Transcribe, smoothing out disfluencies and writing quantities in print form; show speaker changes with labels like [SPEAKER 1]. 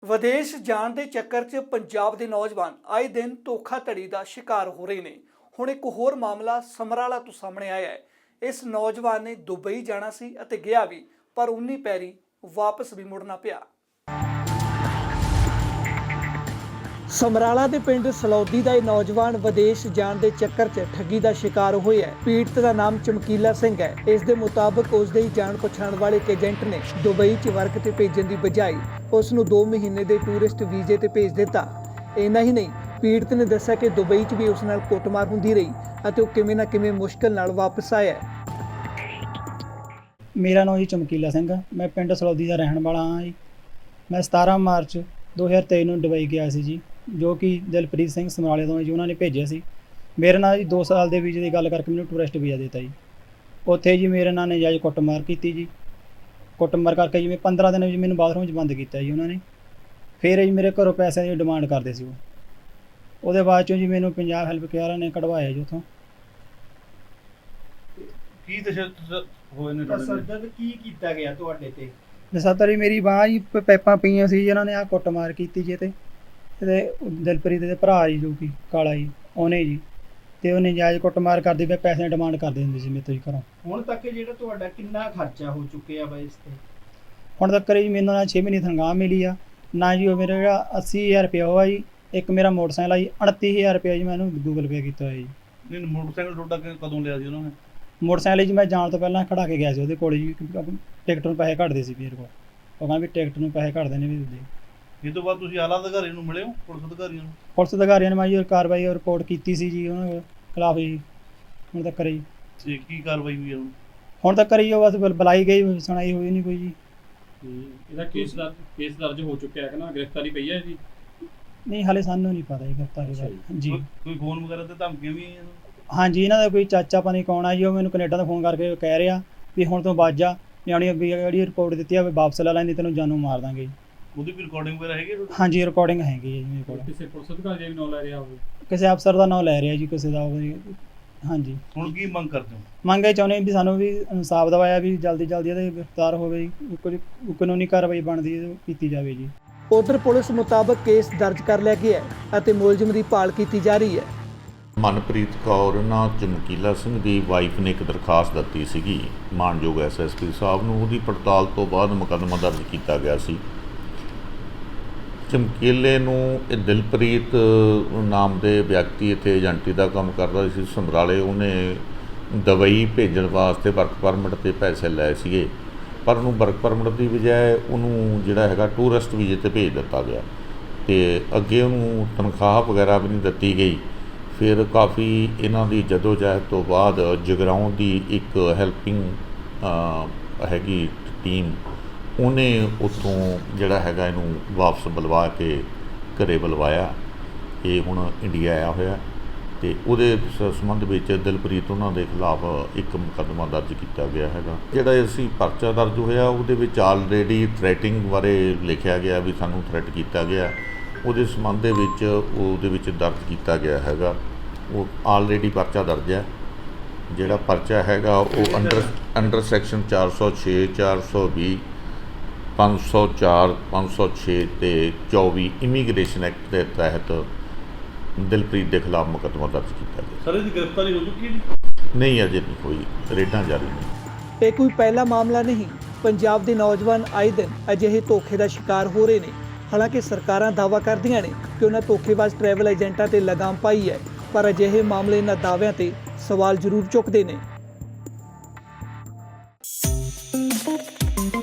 [SPEAKER 1] ਵਿਦੇਸ਼ ਜਾਣ ਦੇ ਚੱਕਰ 'ਚ ਪੰਜਾਬ ਦੇ ਨੌਜਵਾਨ ਆਏ ਦਿਨ ਧੋਖਾਧੜੀ ਦਾ ਸ਼ਿਕਾਰ ਹੋ ਰਹੇ ਨੇ। ਹੁਣ ਇੱਕ ਹੋਰ ਮਾਮਲਾ ਸਮਰਾਲਾ ਤੋਂ ਸਾਹਮਣੇ ਆਇਆ ਹੈ। ਇਸ ਨੌਜਵਾਨ ਨੇ ਦੁਬਈ ਜਾਣਾ ਸੀ ਅਤੇ ਗਿਆ ਵੀ, ਪਰ ਉਨੀ ਪੈਰੀ ਵਾਪਸ ਵੀ ਮੁੜਨਾ ਪਿਆ। ਸਮਰਾਲਾ ਦੇ ਪਿੰਡ ਸਲੌਦੀ ਦਾ ਇਹ ਨੌਜਵਾਨ ਵਿਦੇਸ਼ ਜਾਣ ਦੇ ਚੱਕਰ 'ਚ ਠੱਗੀ ਦਾ ਸ਼ਿਕਾਰ ਹੋਇਆ ਹੈ। ਪੀੜਤ ਦਾ ਨਾਮ ਚਮਕੀਲਾ ਸਿੰਘ ਹੈ। ਇਸ ਦੇ ਮੁਤਾਬਕ ਉਸ ਦੇ ਜਾਣ ਪਛਾਣ ਵਾਲੇ ਇੱਕ ਏਜੰਟ ਨੇ ਦੁਬਈ 'ਚ ਵਰਕ ਤੇ ਭੇਜਣ ਦੀ ਬਜਾਏ ਉਸ ਨੂੰ 2 ਮਹੀਨੇ ਦੇ ਟੂਰਿਸਟ ਵੀਜ਼ੇ ਤੇ ਭੇਜ ਦਿੱਤਾ। ਇੰਨਾ ਹੀ ਨਹੀਂ, ਪੀੜਤ ਨੇ ਦੱਸਿਆ ਕਿ ਦੁਬਈ 'ਚ ਵੀ ਉਸ ਨਾਲ ਕੁੱਟਮਾਰ ਹੁੰਦੀ ਰਹੀ ਅਤੇ ਉਹ ਕਿਵੇਂ ਨਾ ਕਿਵੇਂ ਮੁਸ਼ਕਲ ਨਾਲ ਵਾਪਸ ਆਇਆ।
[SPEAKER 2] ਮੇਰਾ ਨਾਮ ਜੀ ਚਮਕੀਲਾ ਸਿੰਘ ਆ। ਮੈਂ ਪਿੰਡ ਸਲੌਦੀ ਦਾ ਰਹਿਣ ਵਾਲਾ ਹਾਂ ਜੀ। ਮੈਂ 17 ਮਾਰਚ 2023 ਨੂੰ ਦੁਬਈ ਗਿਆ ਸੀ ਜੀ, ਜੋ ਕਿ ਦਿਲਪ੍ਰੀਤ ਸਿੰਘ ਸਮਰਾਲੇ ਤੋਂ ਜੀ ਉਹਨਾਂ ਨੇ ਭੇਜਿਆ ਸੀ। ਮੇਰੇ ਨਾਲ ਜੀ 2 ਸਾਲ ਦੇ ਵੀਜ਼ੇ ਦੀ ਗੱਲ ਕਰਕੇ ਮੈਨੂੰ ਟੂਰਿਸਟ ਵੀਜ਼ਾ ਦਿੱਤਾ ਜੀ। ਉੱਥੇ ਜੀ ਮੇਰੇ ਨਾਲ ਨਜਾਇਜ਼ ਕੁੱਟਮਾਰ ਕੀਤੀ ਜੀ। ਕੁੱਟਮਾਰ ਕਰਕੇ ਜੀ 15 ਦਿਨ ਜੀ ਮੈਨੂੰ ਬਾਥਰੂਮ 'ਚ ਬੰਦ ਕੀਤਾ ਜੀ ਉਹਨਾਂ ਨੇ। ਫਿਰ ਜੀ ਮੇਰੇ ਘਰੋਂ ਪੈਸਿਆਂ ਦੀ ਡਿਮਾਂਡ ਕਰਦੇ ਸੀ ਉਹ। ਉਹਦੇ ਬਾਅਦ 'ਚੋਂ ਜੀ ਮੈਨੂੰ ਪੰਜਾਬ ਹੈਲਪ ਕੇਅਰ ਨੇ ਕਢਵਾਇਆ ਜੀ ਉੱਥੋਂ।
[SPEAKER 3] ਕੀ ਤਸ਼ੱਦਦ ਹੋਏ ਨੇ
[SPEAKER 2] ਤਸ਼ੱਦਦ ਕੀ ਕੀਤਾ ਗਿਆ ਤੁਹਾਡੇ ਤੇ? ਤਸ਼ੱਦਦ ਜੀ ਮੇਰੀ ਬਾਂਹ ਜੀ ਪੈਪਾਂ ਪਈਆਂ ਸੀ ਜੀ, ਇਹਨਾਂ ਨੇ ਆਹ ਕੁੱਟਮਾਰ ਕੀਤੀ ਜੀ। ਤੇ ਦਿਲਪ੍ਰੀਤ ਦੇ ਭਰਾ ਜੀ ਜੋ ਕਿ ਕਾਲਾ ਜੀ, ਉਹਨੇ ਜੀ ਤੇ ਉਹ ਨਜਾਇਜ਼ ਕੁੱਟਮਾਰ ਕਰਦੇ ਪਏ, ਪੈਸੇ ਡਿਮਾਂਡ ਕਰਦੇ ਹੁੰਦੇ ਸੀ ਮੇਰੇ ਤੋਂ ਜੀ ਘਰੋਂ।
[SPEAKER 4] ਹੁਣ ਤੱਕ ਜਿਹੜਾ ਤੁਹਾਡਾ ਕਿੰਨਾ ਖਰਚਾ ਹੋ ਚੁੱਕਿਆ ਵਾ ਇਸ ਤੇ?
[SPEAKER 2] ਹੁਣ ਤੱਕ ਜੀ ਮੈਨੂੰ ਨਾ 6 ਮਹੀਨੇ ਤਨਖਾਹ ਮਿਲੀ ਆ ਨਾ ਜੀ। ਉਹ ਮੇਰਾ ਜਿਹੜਾ 80,000 ਰੁਪਇਆ ਹੋਇਆ ਜੀ। ਇੱਕ ਮੇਰਾ ਮੋਟਰਸਾਈਕਲ ਆ ਜੀ, 29,000 ਰੁਪਇਆ ਜੀ ਮੈਂ ਇਹਨੂੰ ਗੂਗਲ ਪੇ ਕੀਤਾ ਹੋਇਆ ਜੀ।
[SPEAKER 3] ਨਹੀਂ, ਮੋਟਰਸਾਈਕਲ ਤੁਹਾਡਾ ਕਦੋਂ ਲਿਆ ਸੀ ਉਹਨਾਂ ਨੇ?
[SPEAKER 2] ਮੋਟਰਸਾਈਕਲ ਜੀ ਮੈਂ ਜਾਣ ਤੋਂ ਪਹਿਲਾਂ ਖੜਾ ਕੇ ਗਿਆ ਸੀ ਉਹਦੇ ਕੋਲ ਜੀ, ਕਿਉਂਕਿ ਟਿਕਟ ਨੂੰ ਪੈਸੇ ਘੱਟਦੇ ਸੀ ਮੇਰੇ ਕੋਲ। ਉਹ ਕਹਿੰਦਾ ਵੀ ਟਿਕਟ ਨੂੰ ਪੈਸੇ ਘੱਟਦੇ ਨੇ ਵੀ ਦੇ।
[SPEAKER 3] ਇਹ ਤੋਂ ਬਾਅਦ ਤੁਸੀਂ ਆਲਾ ਅਧਿਕਾਰੀ ਨੂੰ ਮਿਲੇ ਹੋ, ਪੁਲਿਸ ਅਧਿਕਾਰੀਆਂ ਨੂੰ?
[SPEAKER 2] ਪੁਲਿਸ ਅਧਿਕਾਰੀਆਂ ਨੇ ਮੈਂ ਜੀ ਕਾਰਵਾਈ ਰਿਪੋਰਟ ਕੀਤੀ ਸੀ ਜੀ ਉਹਨਾਂ ਖਿਲਾਫ ਜੀ। ਹੁਣ ਤੱਕ ਜੀ
[SPEAKER 3] ਤੇ ਕੀ ਕਾਰਵਾਈ ਹੋਈ ਹੈ
[SPEAKER 2] ਹੁਣ ਤੱਕ ਜੀ ਉਹ ਬਸ ਬੁਲਾਈ ਗਈ, ਸੁਣਾਈ ਹੋਈ ਨਹੀਂ ਕੋਈ ਜੀ।
[SPEAKER 5] ਇਹਦਾ ਕੇਸ ਦਰਜ ਹੋ ਚੁੱਕਿਆ ਹੈ ਕਿ ਨਾ ਗ੍ਰਿਫਤਾਰੀ ਪਈ ਹੈ ਜੀ?
[SPEAKER 2] ਨਹੀਂ, ਹਾਲੇ ਸਾਨੂੰ ਨਹੀਂ ਪਤਾ ਜੀ ਗ੍ਰਿਫਤਾਰੀ ਦਾ ਜੀ।
[SPEAKER 3] ਕੋਈ ਫੋਨ ਵਗੈਰਾ ਤੇ ਧਮਕੀਆਂ ਵੀ ਆਈਆਂ?
[SPEAKER 2] ਹਾਂਜੀ, ਇਹਨਾਂ ਦਾ ਕੋਈ ਚਾਚਾ ਪਾਣੀ ਕੌਣ ਆ ਜੀ, ਉਹ ਮੈਨੂੰ ਕੈਨੇਡਾ ਤੋਂ ਫੋਨ ਕਰਕੇ ਕਹਿ ਰਿਹਾ ਵੀ ਹੁਣ ਤੋਂ ਬਾਅਦ ਜਾ, ਨਿਆਣੀ ਅੱਗੇ ਜਿਹੜੀ ਰਿਪੋਰਟ ਦਿੱਤੀ ਆ ਵੀ ਵਾਪਸ ਲੈ ਲੈਂਦੀ, ਤੈਨੂੰ ਜਾਨੋਂ ਮਾਰ ਦਾਂਗੇ।
[SPEAKER 3] ਉਹਦੀ ਵੀ ਰਿਕਾਰਡਿੰਗ ਵਗੈਰਾ ਹੈਗੀ?
[SPEAKER 2] ਹਾਂਜੀ, ਰਿਕਾਰਡਿੰਗ ਹੈਗੀ ਹੈ ਜੀ ਮੇਰੇ ਕੋਲ।
[SPEAKER 5] ਕਿਸੇ ਪੁਲਿਸ ਅਧਿਕਾਰੀ ਦਾ ਵੀ ਨਾਮ ਲੈ ਰਿਹਾ ਹੋਵੇ?
[SPEAKER 2] ਕਿਸੇ ਅਫਸਰ ਦਾ ਨਾਮ ਲੈ ਰਿਹਾ ਜੀ, ਕਿਸੇ ਦਾ। ਹਾਂਜੀ,
[SPEAKER 3] ਹੁਣ ਕੀ ਮੰਗ ਕਰਦੇ ਹੋ?
[SPEAKER 2] ਮੰਗ ਇਹ ਚਾਹੁੰਦੇ ਵੀ ਸਾਨੂੰ ਵੀ ਇਨਸਾਫ ਦਿਵਾਇਆ ਵੀ ਜਲਦੀ ਇਹਦੇ ਗ੍ਰਿਫਤਾਰ ਹੋਵੇ ਜੀ। ਕੋਈ ਕਾਨੂੰਨੀ ਕਾਰਵਾਈ ਬਣਦੀ ਕੀਤੀ ਜਾਵੇ ਜੀ।
[SPEAKER 1] ਉਧਰ ਪੁਲਿਸ ਮੁਤਾਬਕ ਕੇਸ ਦਰਜ ਕਰ ਲਿਆ ਗਿਆ ਹੈ ਅਤੇ ਮੁਲਜ਼ਮ ਦੀ ਭਾਲ ਕੀਤੀ ਜਾ ਰਹੀ ਹੈ।
[SPEAKER 6] ਮਨਪ੍ਰੀਤ ਕੌਰ ਨਾ ਚਮਕੀਲਾ ਸਿੰਘ ਦੀ ਵਾਈਫ ਨੇ ਇੱਕ ਦਰਖਾਸਤ ਦਿੱਤੀ ਸੀਗੀ ਮਾਨਯੋਗ SSP ਸਾਹਿਬ ਨੂੰ। ਉਹਦੀ ਪੜਤਾਲ ਤੋਂ ਬਾਅਦ ਮੁਕੱਦਮਾ ਦਰਜ ਕੀਤਾ ਗਿਆ ਸੀ। ਚਮਕੀਲੇ ਨੂੰ ਇਹ ਦਿਲਪ੍ਰੀਤ ਨਾਮ ਦੇ ਵਿਅਕਤੀ ਇੱਥੇ ਏਜੰਟੀ ਦਾ ਕੰਮ ਕਰਦਾ ਸੀ ਸਮਰਾਲੇ। ਉਹਨੇ ਦੁਬਈ ਭੇਜਣ ਵਾਸਤੇ ਵਰਕ ਪਰਮਿਟ 'ਤੇ ਪੈਸੇ ਲਏ ਸੀਗੇ, ਪਰ ਉਹਨੂੰ ਵਰਕ ਪਰਮਿਟ ਦੀ ਬਜਾਏ ਉਹਨੂੰ ਜਿਹੜਾ ਹੈਗਾ ਟੂਰਿਸਟ ਵੀਜ਼ੇ 'ਤੇ ਭੇਜ ਦਿੱਤਾ ਗਿਆ ਅਤੇ ਅੱਗੇ ਉਹਨੂੰ ਤਨਖਾਹ ਵਗੈਰਾ ਵੀ ਨਹੀਂ ਦਿੱਤੀ ਗਈ। ਫਿਰ ਕਾਫੀ ਇਹਨਾਂ ਦੀ ਜਦੋਜਹਿਦ ਤੋਂ ਬਾਅਦ ਜਗਰਾਉਂ ਦੀ ਇੱਕ ਹੈਲਪਿੰਗ ਹੈਗੀ ਟੀਮ, ਉਹਨੇ ਉੱਥੋਂ ਜਿਹੜਾ ਹੈਗਾ ਇਹਨੂੰ ਵਾਪਸ ਬੁਲਵਾ ਕੇ ਘਰੇ ਬੁਲਵਾਇਆ। ਇਹ ਹੁਣ ਇੰਡੀਆ ਆਇਆ ਹੋਇਆ ਅਤੇ ਉਹਦੇ ਸੰਬੰਧ ਵਿੱਚ ਦਿਲਪ੍ਰੀਤ ਉਹਨਾਂ ਦੇ ਖਿਲਾਫ ਇੱਕ ਮੁਕੱਦਮਾ ਦਰਜ ਕੀਤਾ ਗਿਆ ਹੈਗਾ। ਜਿਹੜਾ ਅਸੀਂ ਪਰਚਾ ਦਰਜ ਹੋਇਆ ਉਹਦੇ ਵਿੱਚ ਆਲਰੇਡੀ ਥ੍ਰੈਟਿੰਗ ਬਾਰੇ ਲਿਖਿਆ ਗਿਆ ਵੀ ਸਾਨੂੰ ਥ੍ਰੈਟ ਕੀਤਾ ਗਿਆ। ਉਹਦੇ ਸੰਬੰਧ ਦੇ ਵਿੱਚ ਉਹਦੇ ਵਿੱਚ ਦਰਜ ਕੀਤਾ ਗਿਆ ਹੈਗਾ। ਉਹ ਆਲਰੇਡੀ ਪਰਚਾ ਦਰਜ ਹੈ। ਜਿਹੜਾ ਪਰਚਾ ਹੈਗਾ ਉਹ ਅੰਡਰ ਸੈਕਸ਼ਨ 406, 420, 504, 506 ਅਤੇ 24 ਇਮੀਗ੍ਰੇਸ਼ਨ ਐਕਟ ਦੇ ਤਹਿਤ ਦਿਲਪ੍ਰੀਤ ਦੇ ਖਿਲਾਫ ਮੁਕੱਦਮਾ ਦਰਜ ਕੀਤਾ ਗਿਆ।
[SPEAKER 3] ਸਰ, ਇਹਦੀ ਗ੍ਰਿਫਤਾਰੀ ਹੋ ਚੁੱਕੀ ਹੈ?
[SPEAKER 6] ਨਹੀਂ, ਅਜੇ ਨਹੀਂ ਹੋਈ, ਰੇਡਾਂ ਜਾਰੀ ਨੇ।
[SPEAKER 1] ਇਹ ਕੋਈ ਪਹਿਲਾ ਮਾਮਲਾ ਨਹੀਂ। ਪੰਜਾਬ ਦੇ ਨੌਜਵਾਨ ਆਏ ਦਿਨ ਅਜਿਹੇ ਧੋਖੇ ਦਾ ਸ਼ਿਕਾਰ ਹੋ ਰਹੇ ਨੇ। ਹਾਲਾਂਕਿ ਸਰਕਾਰਾਂ ਦਾਅਵਾ ਕਰਦੀਆਂ ਨੇ ਕਿ ਉਹਨਾਂ ਧੋਖੇਬਾਜ਼ ਟਰੈਵਲ ਏਜੰਟਾਂ 'ਤੇ ਲਗਾਮ ਪਾਈ ਹੈ, ਪਰ ਅਜਿਹੇ ਮਾਮਲੇ ਇਹਨਾਂ ਦਾਅਵਿਆਂ 'ਤੇ ਸਵਾਲ ਜ਼ਰੂਰ ਚੁੱਕਦੇ ਨੇ।